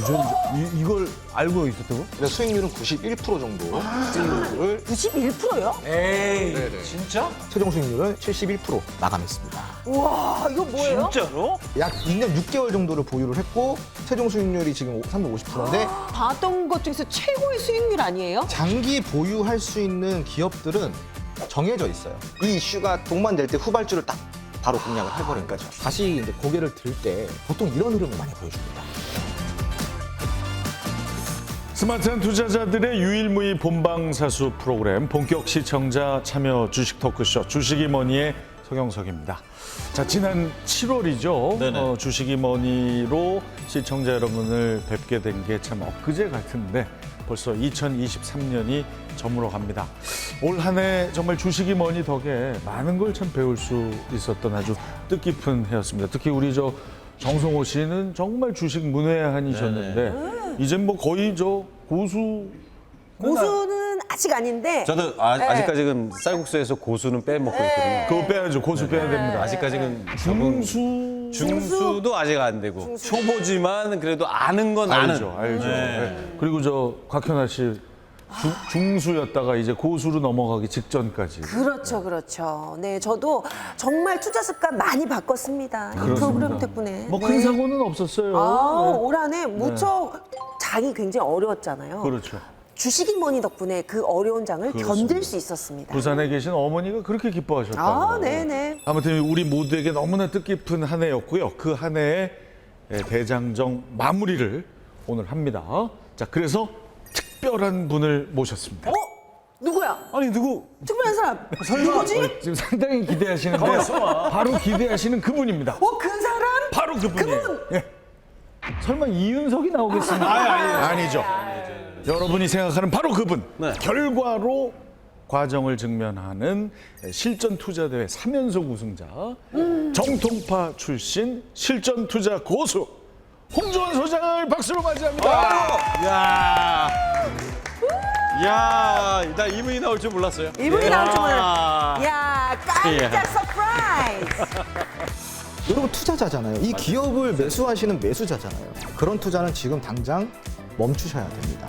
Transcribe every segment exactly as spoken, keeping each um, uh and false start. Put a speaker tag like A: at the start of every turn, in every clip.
A: 유전자 이, 이걸 알고 있었다고?
B: 근데 수익률은 구십일 퍼센트 정도 수익률을
C: 구십일 퍼센트요?
A: 에이,
B: 네네.
A: 진짜?
B: 최종 수익률은 칠십일 퍼센트 마감했습니다.
C: 우와, 이거 뭐예요?
A: 진짜로?
B: 약 이 년 육 개월 정도를 보유를 했고 최종 수익률이 지금 삼백오십 퍼센트인데
C: 봤던 것 중에서 최고의 수익률 아니에요?
B: 장기 보유할 수 있는 기업들은 정해져 있어요. 이 이슈가 동반될 때 후발주를 딱 바로 공략을 해버린 거죠. 다시 이제 고개를 들 때 보통 이런 흐름을 많이 보여줍니다.
A: 스마트한 투자자들의 유일무이 본방사수 프로그램 본격 시청자 참여 주식 토크쇼 주식이머니의 서경석입니다. 자, 지난 칠월이죠. 어, 주식이머니로 시청자 여러분을 뵙게 된 게 참 엊그제 같은데 벌써 이천이십삼 년이 저물어 갑니다. 올 한 해 정말 주식이머니 덕에 많은 걸 참 배울 수 있었던 아주 뜻깊은 해였습니다. 특히 우리 저 정성호 씨는 정말 주식 문외한이셨는데 이젠 뭐 거의 저 고수
C: 고수는 아직 아닌데
D: 저도 아,
C: 네.
D: 아직까지 지금 쌀국수에서 고수는 빼먹고 있거든요.
A: 그거 빼야죠. 고수 빼야 됩니다.
D: 아직까지는
A: 중수
D: 중수도 아직 안 되고 초보지만 그래도 아는 건 아는.
A: 알죠, 알죠. 네. 그리고 저 곽현아 씨 주, 중수였다가 이제 고수로 넘어가기 직전까지.
C: 그렇죠, 그렇죠. 네, 저도 정말 투자 습관 많이 바꿨습니다. 이 프로그램 덕분에.
A: 뭐 큰
C: 네.
A: 사고는 없었어요.
C: 아,
A: 네.
C: 올 한 해 무척 장이 굉장히 어려웠잖아요.
A: 그렇죠.
C: 주식이머니 덕분에 그 어려운 장을
A: 그렇습니다.
C: 견딜 수 있었습니다.
A: 부산에 계신 어머니가 그렇게 기뻐하셨다고.
C: 아, 네네.
A: 아무튼 우리 모두에게 너무나 뜻깊은 한 해였고요. 그 한 해의 대장정 마무리를 오늘 합니다. 자, 그래서 특별한 분을 모셨습니다.
C: 어? 누구야?
D: 아니 누구?
C: 특별한 사람. 누구지?
A: 어, 지금 상당히 기대하시는데 바로 기대하시는 그분입니다.
C: 어, 그 사람?
A: 바로 그분이에요.
C: 그분?
A: 예. 설마 이윤석이 나오겠습니까? 아니, 아니죠. 여러분이 생각하는 바로 그분.
D: 네.
A: 결과로 과정을 증명하는 실전 투자 대회 삼 연속 우승자,
C: 음.
A: 정통파 출신 실전 투자 고수 홍주원 소장을 박수로 맞이합니다.
D: 야, 야, 나 이분이 나올 줄 몰랐어요.
C: 이분이 나올 줄 몰랐어요.
D: 야.
C: 야, 깜짝
D: 예.
C: 서프라이즈.
B: 여러분 투자자잖아요. 이 기업을 매수하시는 매수자잖아요. 그런 투자는 지금 당장 멈추셔야 됩니다.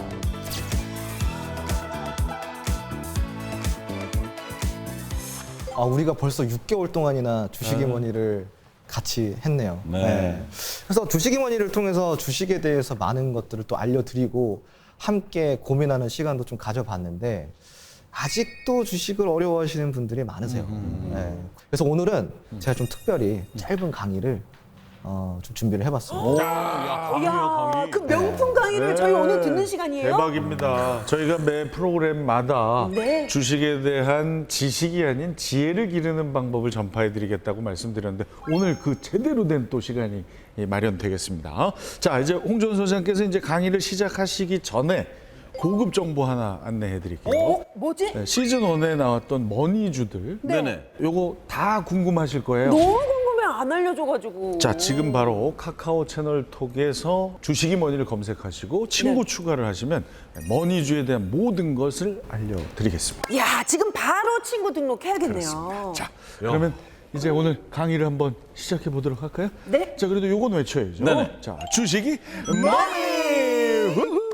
B: 아, 우리가 벌써 육 개월 동안이나 주식이머니를 같이 했네요.
D: 네.
B: 그래서 주식이머니를 통해서 주식에 대해서 많은 것들을 또 알려드리고 함께 고민하는 시간도 좀 가져봤는데 아직도 주식을 어려워하시는 분들이 많으세요. 네. 그래서 오늘은 제가 좀 특별히 짧은 강의를 어, 좀 준비를 해봤습니다.
C: 야, 그 명품 강의를 저희 오늘 듣는 시간이에요?
A: 대박입니다. 저희가 매 프로그램마다
C: 네.
A: 주식에 대한 지식이 아닌 지혜를 기르는 방법을 전파해드리겠다고 말씀드렸는데 오늘 그 제대로 된 또 시간이 마련되겠습니다. 자, 이제 홍준 소장께서 이제 강의를 시작하시기 전에 고급 정보 하나 안내해드릴게요.
C: 어? 뭐지?
A: 네, 시즌 일에 나왔던 머니주들.
D: 네네.
A: 요거 다 궁금하실 거예요.
C: 너무 궁금해, 안 알려줘가지고.
A: 자, 지금 바로 카카오 채널 톡에서 주식이 머니를 검색하시고 친구
C: 네.
A: 추가를 하시면 머니주에 대한 모든 것을 알려드리겠습니다.
C: 야, 지금 바로 친구 등록해야겠네요.
A: 자, 그러면 이제 오늘 강의를 한번 시작해 보도록 할까요?
C: 네.
A: 자, 그래도 요건 외쳐야죠.
D: 네네.
A: 자, 주식이 머니! 후후!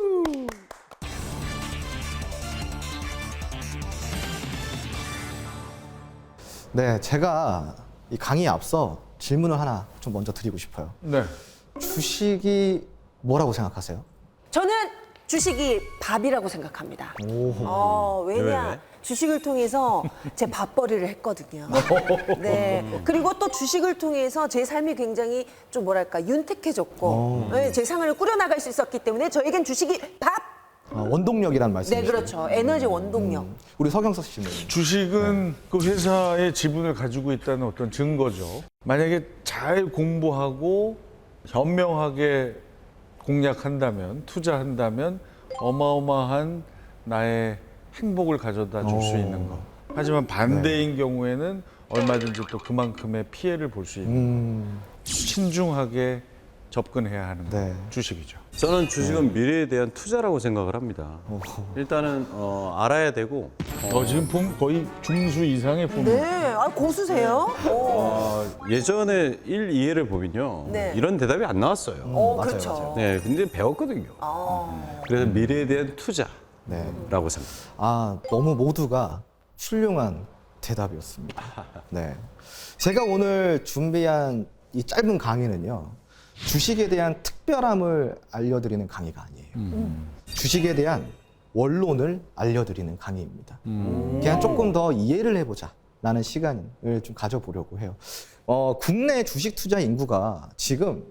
B: 네, 제가 이 강의에 앞서 질문을 하나 좀 먼저 드리고 싶어요.
A: 네.
B: 주식이 뭐라고 생각하세요?
C: 저는 주식이 밥이라고 생각합니다. 어, 왜냐?
D: 왜?
C: 주식을 통해서 제 밥벌이를 했거든요. 네. 그리고 또 주식을 통해서 제 삶이 굉장히 좀 뭐랄까 윤택해졌고, 네, 제 생활을 꾸려나갈 수 있었기 때문에 저에겐 주식이 밥.
B: 아, 원동력이라는 말씀이시죠?
C: 네, 그렇죠. 에너지 원동력.
B: 우리 서경석 씨는
A: 주식은 그 회사의 지분을 가지고 있다는 어떤 증거죠. 만약에 잘 공부하고 현명하게 공략한다면, 투자한다면 어마어마한 나의 행복을 가져다 줄 수 있는 것. 하지만 반대인 경우에는 얼마든지 또 그만큼의 피해를 볼 수 있는
B: 음,
A: 신중하게 접근해야 하는
B: 네.
A: 주식이죠.
D: 저는 주식은 미래에 대한 투자라고 생각을 합니다. 일단은 어, 알아야 되고
A: 어, 지금 폼 거의 중수 이상의 폼.
C: 네, 아, 고수세요. 오.
D: 어, 예전에 일, 이 회를 보면요.
C: 네.
D: 이런 대답이 안 나왔어요.
C: 어,
B: 맞아요,
C: 그렇죠.
B: 맞아요.
D: 네, 근데 배웠거든요.
C: 아.
D: 그래서 미래에 대한 투자라고
B: 네.
D: 생각합니다.
B: 아, 너무 모두가 훌륭한 대답이었습니다. 네. 제가 오늘 준비한 이 짧은 강의는요, 주식에 대한 특별함을 알려드리는 강의가 아니에요. 주식에 대한 원론을 알려드리는 강의입니다. 그냥 조금 더 이해를 해보자 라는 시간을 좀 가져보려고 해요. 어, 국내 주식 투자 인구가 지금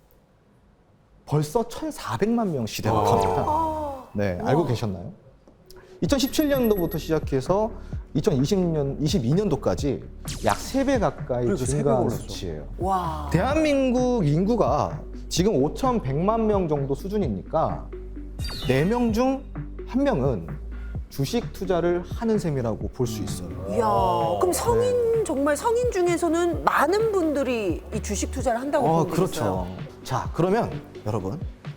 B: 벌써 천사백만 명 시대가 갑니다. 네, 알고 계셨나요? 이천십칠 년도부터 시작해서 이천이십 년, 이십이 년도까지 약 세 배 가까이
D: 그러니까 세 배가
B: 증가한
D: 올랐어.
B: 수치예요.
C: 와.
B: 대한민국 인구가 지금 오천백만 명 정도 수준이니까 네 명 중 한 명은 주식 투자를 하는 셈이라고 볼 수 있어요.
C: 이야, 그럼 성인 정말 성인 중에서는 많은 분들이 이 주식 투자를 한다고
B: 어,
C: 보면
B: 그렇죠.
C: 되겠어요.
B: 자, 그러면 여러분,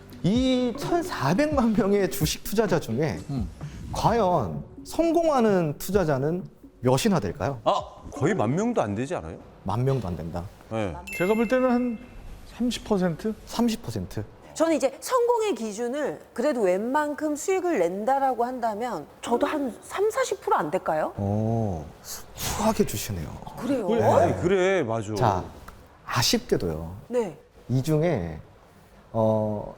B: 이 천사백만 명의 주식 투자자 중에 과연 성공하는 투자자는 몇이나 될까요?
D: 아, 거의 만 명도 안 되지 않아요?
B: 만 명도 안 된다.
D: 네.
A: 제가 볼 때는 한 삼십 퍼센트?
B: 삼십 퍼센트.
C: 저는 이제 성공의 기준을 그래도 웬만큼 수익을 낸다라고 한다면 저도 한 삼, 사십 퍼센트 안 될까요?
B: 오, 후하게 주시네요.
C: 그래요?
D: 아니, 그래, 맞아.
B: 자, 아쉽게도요.
C: 네.
B: 이 중에 어,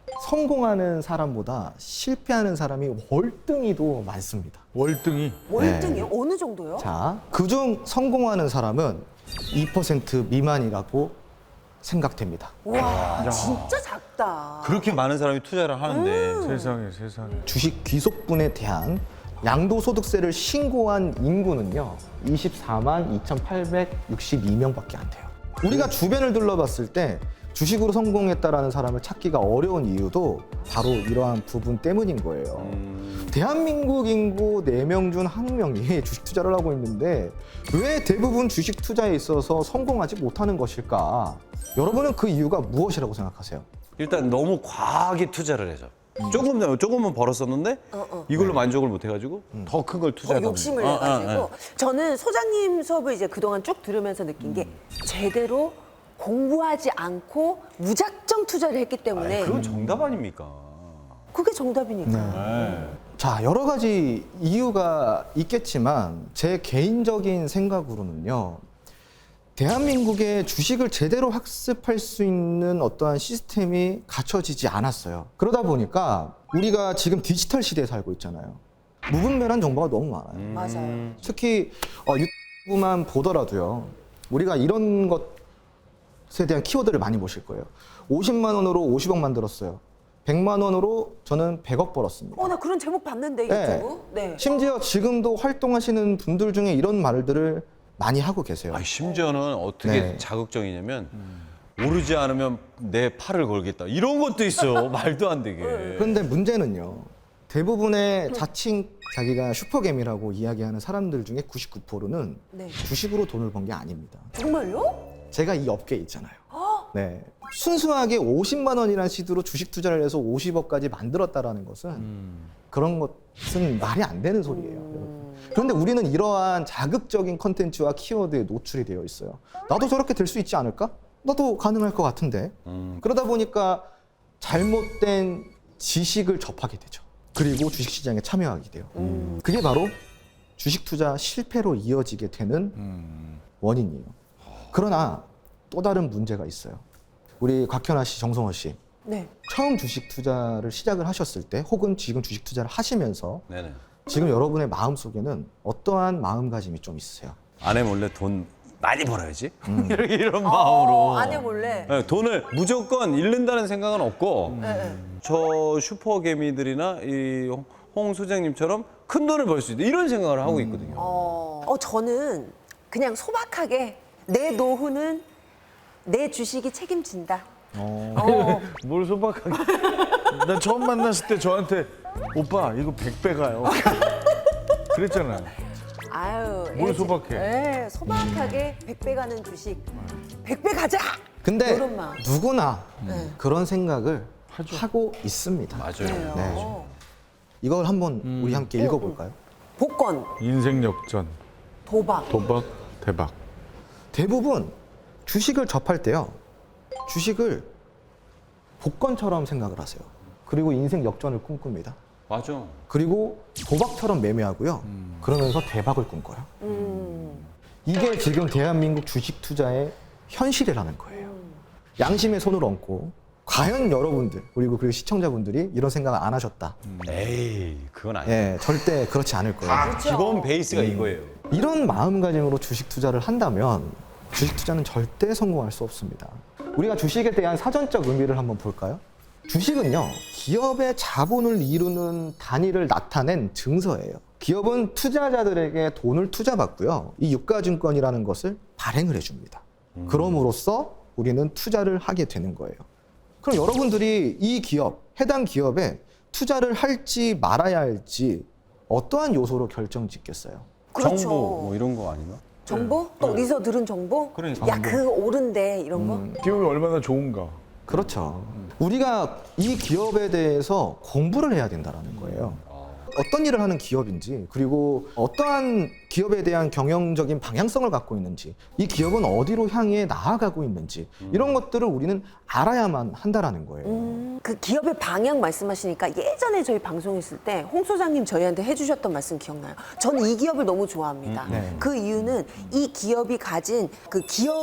B: 성공하는 사람보다 실패하는 사람이 월등히도 많습니다.
A: 월등히.
C: 월등이요? 어느 정도요?
B: 자, 그중 성공하는 사람은 이 퍼센트 미만이라고 생각됩니다.
C: 와, 진짜 작다.
D: 그렇게 많은 사람이 투자를 하는데
A: 세상에 세상에.
B: 주식 귀속분에 대한 양도소득세를 신고한 인구는요, 이십사만 이천팔백육십이 명밖에 안 돼요. 우리가 주변을 둘러봤을 때 주식으로 성공했다라는 사람을 찾기가 어려운 이유도 바로 이러한 부분 때문인 거예요. 대한민국 인구 네 명 중 한 명이 주식 투자를 하고 있는데 왜 대부분 주식 투자에 있어서 성공하지 못하는 것일까? 여러분은 그 이유가 무엇이라고 생각하세요?
D: 일단 너무 과하게 투자를 해서 조금 더 조금은 벌었었는데
C: 어, 어.
D: 이걸로 만족을 못 해가지고 더 큰 걸
C: 더
D: 투자하다
C: 욕심을
D: 보니까. 아,
C: 내가지고
D: 아, 아.
C: 저는 소장님 수업을 이제 그동안 쭉 들으면서 느낀 게 제대로 공부하지 않고 무작정 투자를 했기 때문에
D: 아니, 그건 정답 아닙니까?
C: 그게 정답이니까.
D: 네.
B: 자, 여러 가지 이유가 있겠지만 제 개인적인 생각으로는요, 대한민국의 주식을 제대로 학습할 수 있는 어떠한 시스템이 갖춰지지 않았어요. 그러다 보니까 우리가 지금 디지털 시대에 살고 있잖아요. 무분별한 정보가 너무 많아요.
C: 맞아요.
B: 특히 어, 유튜브만 보더라도요, 우리가 이런 것에 대한 키워드를 많이 보실 거예요. 오십만 원으로 오십억 만들었어요. 백만 원으로 저는 백억 벌었습니다.
C: 어, 나 그런 제목 봤는데
B: 네.
C: 유튜브. 네.
B: 심지어 지금도 활동하시는 분들 중에 이런 말들을 많이 하고 계세요.
D: 아니, 심지어는 어떻게
B: 네.
D: 자극적이냐면 오르지 않으면 내 팔을 걸겠다 이런 것도 있어. 말도 안 되게.
B: 그런데 문제는요, 대부분의 자칭 자기가 슈퍼개미라고 이야기하는 사람들 중에 구십구 퍼센트는
C: 네.
B: 주식으로 돈을 번 게 아닙니다.
C: 정말요?
B: 제가 이 업계에 있잖아요. 네. 순수하게 오십만 원이라는 시도로 주식 투자를 해서 오십억까지 만들었다라는 것은 그런 것은 말이 안 되는 소리예요. 여러분. 그런데 우리는 이러한 자극적인 컨텐츠와 키워드에 노출이 되어 있어요. 나도 저렇게 될 수 있지 않을까? 나도 가능할 것 같은데.
D: 음.
B: 그러다 보니까 잘못된 지식을 접하게 되죠. 그리고 주식시장에 참여하게 돼요. 그게 바로 주식 투자 실패로 이어지게 되는 원인이에요. 그러나 또 다른 문제가 있어요. 우리 곽현아 씨, 정성호 씨,
C: 네.
B: 처음 주식 투자를 시작을 하셨을 때 혹은 지금 주식 투자를 하시면서
D: 네네.
B: 지금 여러분의 마음속에는 어떠한 마음가짐이 좀 있으세요?
D: 아내 몰래 돈 많이 벌어야지. 이렇게 이런
C: 어,
D: 마음으로.
C: 아내 몰래.
D: 네, 돈을 무조건 잃는다는 생각은 없고
C: 네, 네.
D: 저 슈퍼개미들이나 이 홍 소장님처럼 큰 돈을 벌 수 있다 이런 생각을 하고 있거든요.
C: 어, 어, 저는 그냥 소박하게 내 노후는 내 주식이 책임진다. 어.
A: 뭘 소박하게. 난 처음 만났을 때 저한테 오빠 이거 백 배 가요. 그랬잖아요.
C: 아유,
A: 뭘
C: 예,
A: 소박해?
C: 예, 소박하게 백 배 가는 주식. 백 배 가자!
B: 근데
C: 이런 마음.
B: 누구나
C: 네.
B: 그런 생각을 하고 있습니다.
D: 맞아요.
B: 네. 이걸 한번 우리 함께 읽어볼까요?
C: 복권,
A: 인생 역전,
C: 도박.
A: 도박, 대박.
B: 대부분 주식을 접할 때요. 주식을 복권처럼 생각을 하세요. 그리고 인생 역전을 꿈꿉니다.
D: 맞아.
B: 그리고 도박처럼 매매하고요. 그러면서 대박을 꿈꿔요.
C: 음.
B: 이게 지금 대한민국 주식 투자의 현실이라는 거예요. 양심의 손을 얹고 과연 여러분들 그리고 그리고 시청자분들이 이런 생각을 안 하셨다.
D: 에이, 그건 아니야.
B: 예, 절대 그렇지 않을 거예요.
D: 아, 기본 베이스가 이거예요.
B: 이런 마음가짐으로 주식 투자를 한다면 주식 투자는 절대 성공할 수 없습니다. 우리가 주식에 대한 사전적 의미를 한번 볼까요? 주식은요, 기업의 자본을 이루는 단위를 나타낸 증서예요. 기업은 투자자들에게 돈을 투자받고요. 이 유가증권이라는 것을 발행을 해줍니다. 그럼으로써 우리는 투자를 하게 되는 거예요. 그럼 여러분들이 이 기업, 해당 기업에 투자를 할지 말아야 할지 어떠한 요소로 결정짓겠어요?
C: 그렇죠.
D: 정보 뭐 이런 거 아닌가?
C: 정보? 또 어디서 들은 정보?
D: 그러니까.
C: 야, 그거 옳은데 이런 거?
A: 기업이 얼마나 좋은가.
B: 그렇죠. 우리가 이 기업에 대해서 공부를 해야 된다는 거예요. 어떤 일을 하는 기업인지, 그리고 어떠한 기업에 대한 경영적인 방향성을 갖고 있는지, 이 기업은 어디로 향해 나아가고 있는지, 이런 것들을 우리는 알아야만 한다는 거예요.
C: 음, 그 기업의 방향 말씀하시니까 예전에 저희 방송했을 때 홍 소장님 저희한테 해주셨던 말씀 기억나요? 저는 이 기업을 너무 좋아합니다.
B: 네.
C: 그 이유는 이 기업이 가진 그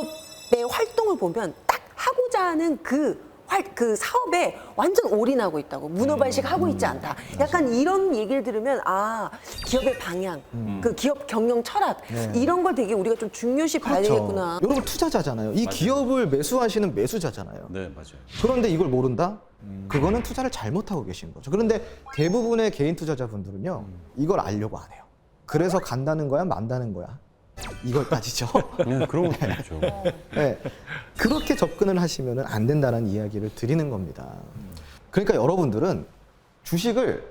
C: 기업의 활동을 보면 딱 하고자 하는 그 활, 그 사업에 완전 올인하고 있다고. 문어발식하고 있지 않다. 약간 이런 얘기를 들으면 아, 기업의 방향, 그 기업 경영 철학
B: 네.
C: 이런 걸 되게 우리가 좀 중요시 봐야 되겠구나.
B: 여러분 투자자잖아요. 이 기업을 매수하시는 매수자잖아요.
D: 네, 맞아요.
B: 그런데 이걸 모른다? 그거는 투자를 잘못하고 계신 거죠. 그런데 대부분의 개인 투자자분들은요, 이걸 알려고 안 해요. 그래서 간다는 거야, 만다는 거야. 이걸 따지죠.
D: 네, 그런 것도 있죠.
B: 네. 그렇게 접근을 하시면 안 된다는 이야기를 드리는 겁니다. 그러니까 여러분들은 주식을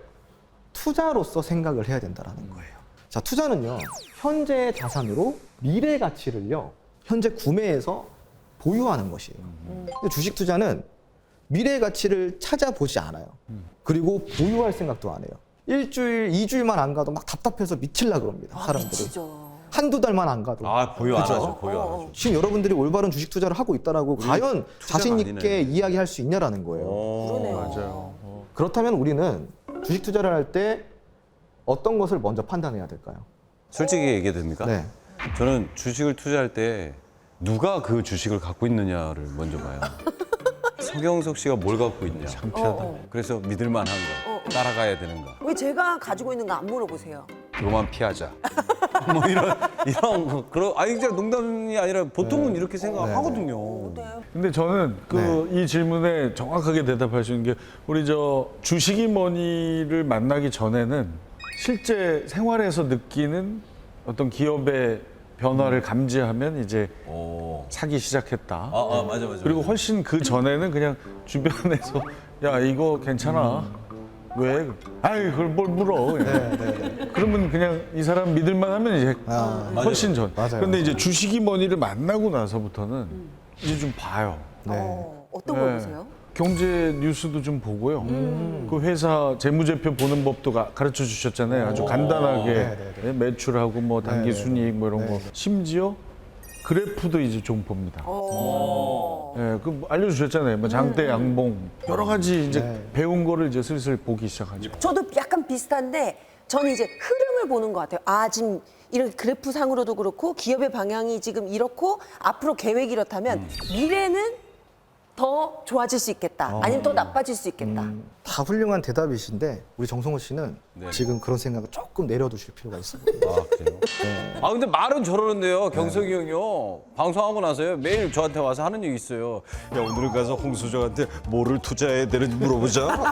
B: 투자로서 생각을 해야 된다는 거예요. 자, 투자는요, 현재의 자산으로 미래 가치를요, 현재 구매해서 보유하는 것이에요. 근데 주식 투자는 미래 가치를 찾아보지 않아요. 그리고 보유할 생각도 안 해요. 일주일, 이주일만 안 가도 막 답답해서 미칠라 그럽니다,
C: 아,
B: 사람들이.
C: 미치죠.
B: 한두 달만 안 가도.
D: 아, 보유 안
B: 그죠?
D: 하죠. 보유 안 하죠.
B: 지금 여러분들이 올바른 주식 투자를 하고 있다라고 과연
D: 투자가
B: 자신 있게
D: 아니네.
B: 이야기할 수 있냐라는 거예요.
C: 그러네요.
A: 맞아요.
B: 그렇다면 우리는 주식 투자를 할 때 어떤 것을 먼저 판단해야 될까요?
D: 솔직히 얘기해도 됩니까?
B: 네.
D: 저는 주식을 투자할 때 누가 그 주식을 갖고 있느냐를 먼저 봐요. 서경석 씨가 뭘 갖고 있냐.
A: 창피하다.
D: 그래서 믿을 만한 거, 따라가야 되는가.
C: 왜 제가 가지고 있는 거 안 물어보세요?
D: 그거만 피하자. 뭐 이런 이런 거. 그런 아니 진짜 농담이 아니라 보통은 이렇게 생각하거든요.
C: 네.
A: 근데 저는 그 이 질문에 정확하게 대답할 수 있는 게 우리 저 주식이 뭐니를 만나기 전에는 실제 생활에서 느끼는 어떤 기업의 변화를 감지하면 이제
D: 오.
A: 사기 시작했다.
D: 아, 아 맞아 맞아.
A: 그리고 훨씬 그 전에는 그냥 주변에서 야 이거 괜찮아. 왜? 아이 그걸 뭘 물어. 그냥. 그러면 그냥 이 사람 믿을만 하면 이제
B: 아,
A: 훨씬 전.
B: 맞아요.
A: 근데 이제 주식이 뭐니를 만나고 나서부터는 이제 좀 봐요.
B: 네.
C: 어, 어떤 걸
A: 네.
C: 보세요?
A: 경제 뉴스도 좀 보고요. 그 회사 재무제표 보는 법도 가, 가르쳐 주셨잖아요. 아주 간단하게
B: 네, 네,
A: 예, 매출하고 뭐 단기
B: 네, 네,
A: 순이익 뭐 이런
B: 네.
A: 거. 심지어 그래프도 이제 좀 봅니다.
C: 어.
A: 예, 그 알려주셨잖아요. 뭐 장대, 양봉 여러 가지 이제
B: 네.
A: 배운 거를 이제 슬슬 보기 시작하죠.
C: 저도 약간 비슷한데 저는 이제 흐름을 보는 것 같아요. 아, 지금 이런 그래프 상으로도 그렇고 기업의 방향이 지금 이렇고 앞으로 계획이 이렇다면 미래는 더 좋아질 수 있겠다. 아니면 더 나빠질 수 있겠다.
B: 다 훌륭한 대답이신데 우리 정성호 씨는
D: 네.
B: 지금 그런 생각을 조금 내려두실 필요가 있습니다.
D: 아 그래요? 아 근데 말은 저러는데요. 경석이 형이요. 방송하고 나서요. 매일 저한테 와서 하는 얘기 있어요. 야 오늘은 가서 홍 소장한테 뭐를 투자해야 되는지 물어보자.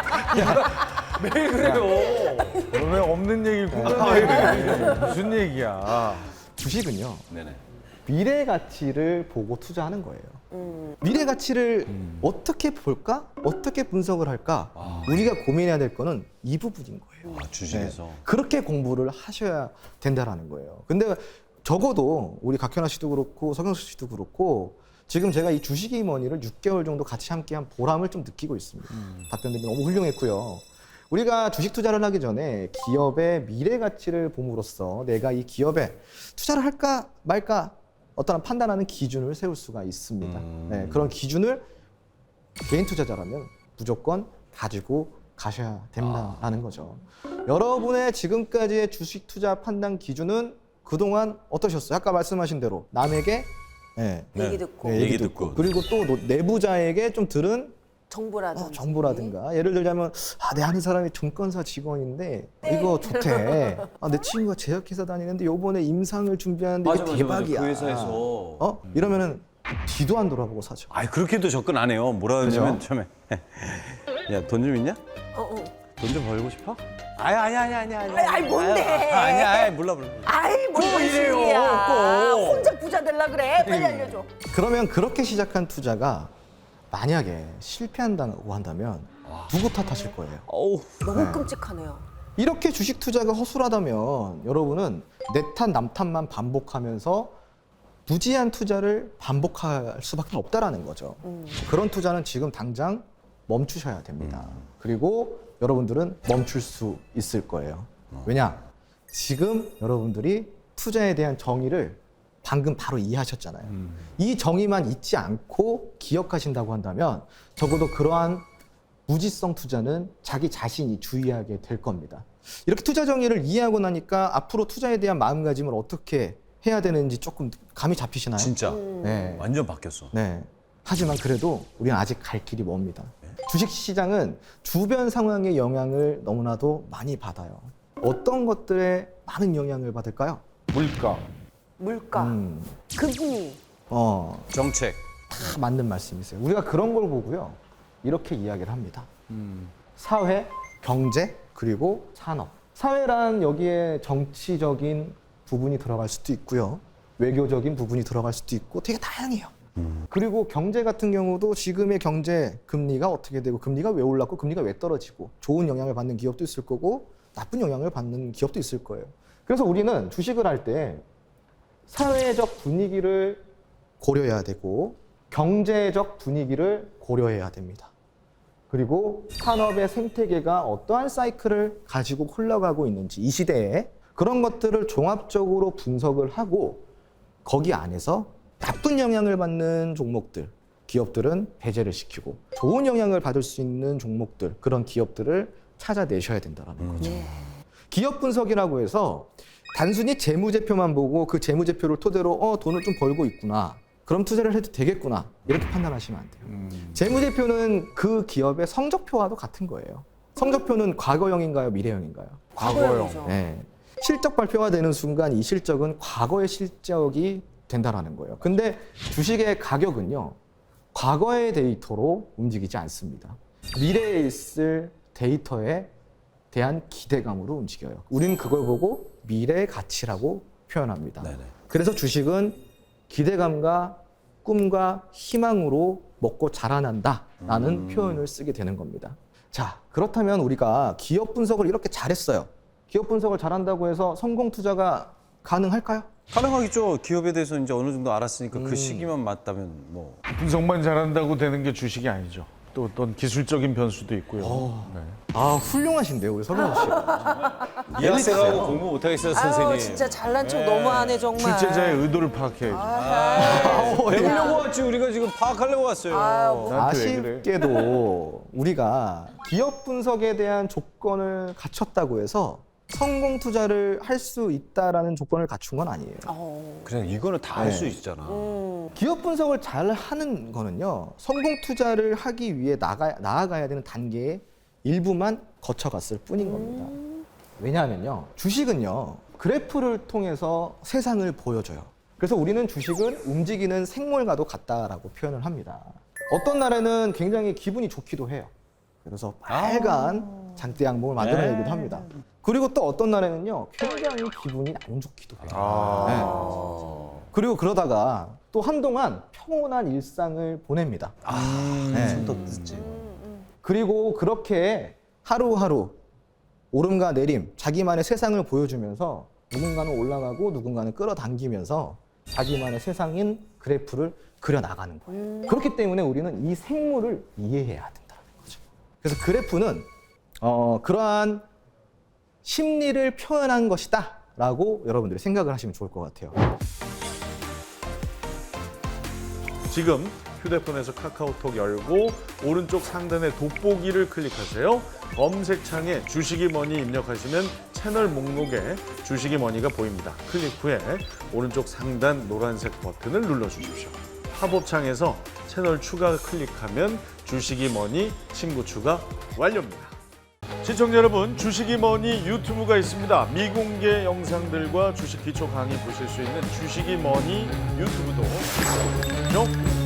D: 매일 그래요.
A: 왜 없는 얘기를 공감해? 무슨 얘기야?
B: 주식은요,
D: 네네.
B: 미래 가치를 보고 투자하는 거예요. 미래 가치를 어떻게 볼까? 어떻게 분석을 할까? 우리가 고민해야 될 거는 이 부분인 거예요.
D: 아 주식에서.
B: 네. 그렇게 공부를 하셔야 된다라는 거예요. 근데 적어도 우리 각현아 씨도 그렇고 서경석 씨도 그렇고 지금 제가 이 주식이 머니를 육 개월 정도 같이 함께한 보람을 좀 느끼고 있습니다.
A: 음.
B: 답변들이 너무 훌륭했고요. 우리가 주식 투자를 하기 전에 기업의 미래 가치를 봄으로써 내가 이 기업에 투자를 할까 말까 어떤 판단하는 기준을 세울 수가 있습니다.
D: 음.
B: 네, 그런 기준을 개인 투자자라면 무조건 가지고 가셔야 된다라는
D: 아.
B: 거죠. 여러분의 지금까지의 주식 투자 판단 기준은 그동안 어떠셨어요? 아까 말씀하신 대로 남에게 네,
C: 얘기 듣고
B: 네,
D: 얘기 듣고.
B: 그리고 또 노- 내부자에게 좀 들은
C: 정보라든지.
B: 어, 정보라든가 예를 들자면 아, 내 아는 사람이 증권사 직원인데 이거 좋대. 아, 내 친구가 제약회사 다니는데 요번에 임상을 준비하는데
D: 맞아,
B: 이게
D: 맞아, 맞아.
B: 대박이야.
D: 그 회사에서.
B: 어? 이러면은 뒤도 안 돌아보고 사죠.
D: 아이 그렇게도 접근 안 해요. 뭐라 그러냐면 처음에 야 돈 좀 있냐?
C: 어, 어.
D: 돈 좀 벌고 싶어? 아니 아니 아니 아니 아니.
C: 아이, 아이, 뭔데?
D: 아니 아니 몰라 몰라.
C: 아이, 뭔
D: 이래요,
C: 소리야.
D: 꼭.
C: 혼자 부자 되려 그래. 빨리 알려줘.
B: 그러면 그렇게 시작한 투자가 만약에 실패한다고 한다면 누구 탓하실 거예요?
D: 어우.
C: 너무
B: 네.
C: 끔찍하네요.
B: 이렇게 주식 투자가 허술하다면 여러분은 내 탓, 남 탓만 반복하면서 무지한 투자를 반복할 수밖에 없다라는 거죠.
C: 음.
B: 그런 투자는 지금 당장 멈추셔야 됩니다. 그리고 여러분들은 멈출 수 있을 거예요. 왜냐? 지금 여러분들이 투자에 대한 정의를 방금 바로 이해하셨잖아요. 이 정의만 잊지 않고 기억하신다고 한다면 적어도 그러한 무지성 투자는 자기 자신이 주의하게 될 겁니다. 이렇게 투자 정의를 이해하고 나니까 앞으로 투자에 대한 마음가짐을 어떻게 해야 되는지 조금 감이 잡히시나요?
D: 진짜
B: 네.
D: 완전 바뀌었어.
B: 네. 하지만 그래도 우리는 아직 갈 길이 멉니다. 주식 시장은 주변 상황의 영향을 너무나도 많이 받아요. 어떤 것들에 많은 영향을 받을까요?
A: 물가.
C: 물가,
B: 음,
C: 금리.
B: 어,
D: 정책.
B: 다 맞는 말씀이세요. 우리가 그런 걸 보고요. 이렇게 이야기를 합니다. 사회, 경제, 그리고 산업. 사회란 여기에 정치적인 부분이 들어갈 수도 있고요. 외교적인 부분이 들어갈 수도 있고 되게 다양해요. 그리고 경제 같은 경우도 지금의 경제 금리가 어떻게 되고 금리가 왜 올랐고 금리가 왜 떨어지고 좋은 영향을 받는 기업도 있을 거고 나쁜 영향을 받는 기업도 있을 거예요. 그래서 우리는 주식을 할 때 사회적 분위기를 고려해야 되고 경제적 분위기를 고려해야 됩니다. 그리고 산업의 생태계가 어떠한 사이클을 가지고 흘러가고 있는지 이 시대에 그런 것들을 종합적으로 분석을 하고 거기 안에서 나쁜 영향을 받는 종목들, 기업들은 배제를 시키고 좋은 영향을 받을 수 있는 종목들, 그런 기업들을 찾아내셔야 된다는 거죠. 기업 분석이라고 해서 단순히 재무제표만 보고 그 재무제표를 토대로 어 돈을 좀 벌고 있구나. 그럼 투자를 해도 되겠구나. 이렇게 판단하시면 안 돼요.
A: 음.
B: 재무제표는 그 기업의 성적표와도 같은 거예요. 성적표는 과거형인가요? 미래형인가요?
C: 과거형이죠.
B: 네. 실적 발표가 되는 순간 이 실적은 과거의 실적이 된다라는 거예요. 근데 주식의 가격은요, 과거의 데이터로 움직이지 않습니다. 미래에 있을 데이터에 대한 기대감으로 움직여요. 우리는 그걸 보고 미래의 가치라고 표현합니다.
D: 네네.
B: 그래서 주식은 기대감과 꿈과 희망으로 먹고 자라난다라는
D: 음.
B: 표현을 쓰게 되는 겁니다. 자, 그렇다면 우리가 기업 분석을 이렇게 잘했어요. 기업 분석을 잘한다고 해서 성공 투자가 가능할까요?
D: 가능하겠죠. 기업에 대해서 이제 어느 정도 알았으니까 그 시기만 맞다면 뭐.
A: 분석만 잘한다고 되는 게 주식이 아니죠. 또 어떤 기술적인 변수도 있고요. 네.
B: 아, 훌륭하신데요, 우리 설명 씨.
D: 이 학생하고 공부 못하겠어요, 선생님.
C: 아유, 진짜 잘난 척 너무하네 정말.
A: 출제자의 의도를 파악해야죠.
C: 아,
D: 배우려고 왔지. 우리가 지금 파악하려고 왔어요.
C: 아유,
A: 나한테 왜 그래?
B: 아쉽게도 우리가 기업 분석에 대한 조건을 갖췄다고 해서 성공 투자를 할 수 있다라는 조건을 갖춘 건 아니에요.
C: 어.
D: 그냥 이거는 다 할 수
B: 네.
D: 있잖아.
C: 음.
B: 기업 분석을 잘 하는 거는요, 성공 투자를 하기 위해 나가, 나아가야 되는 단계의 일부만 거쳐갔을 뿐인 겁니다. 왜냐하면요, 주식은요, 그래프를 통해서 세상을 보여줘요. 그래서 우리는 주식은 움직이는 생물과도 같다라고 표현을 합니다. 어떤 날에는 굉장히 기분이 좋기도 해요. 그래서 빨간 장대 양봉을 만들어내기도 합니다. 그리고 또 어떤 날에는요, 굉장히 기분이 안 좋기도 해요.
A: 아.
B: 네. 그리고 그러다가 또 한동안 평온한 일상을 보냅니다. 네.
D: 손도 듣지.
B: 그리고 그렇게 하루하루 오름과 내림, 자기만의 세상을 보여주면서 누군가는 올라가고 누군가는 끌어당기면서 자기만의 세상인 그래프를 그려나가는 거예요. 그렇기 때문에 우리는 이 생물을 이해해야 된다는 거죠. 그래서 그래프는 어, 그러한 심리를 표현한 것이다 라고 여러분들이 생각을 하시면 좋을 것 같아요.
A: 지금 휴대폰에서 카카오톡 열고 오른쪽 상단의 돋보기를 클릭하세요. 검색창에 주식이머니 입력하시면 채널 목록에 주식이머니가 보입니다. 클릭 후에 오른쪽 상단 노란색 버튼을 눌러주십시오. 팝업창에서 채널 추가 클릭하면 주식이머니 친구 추가 완료입니다. 시청자 여러분, 주식이머니 유튜브가 있습니다. 미공개 영상들과 주식 기초 강의 보실 수 있는 주식이머니 유튜브도 구독,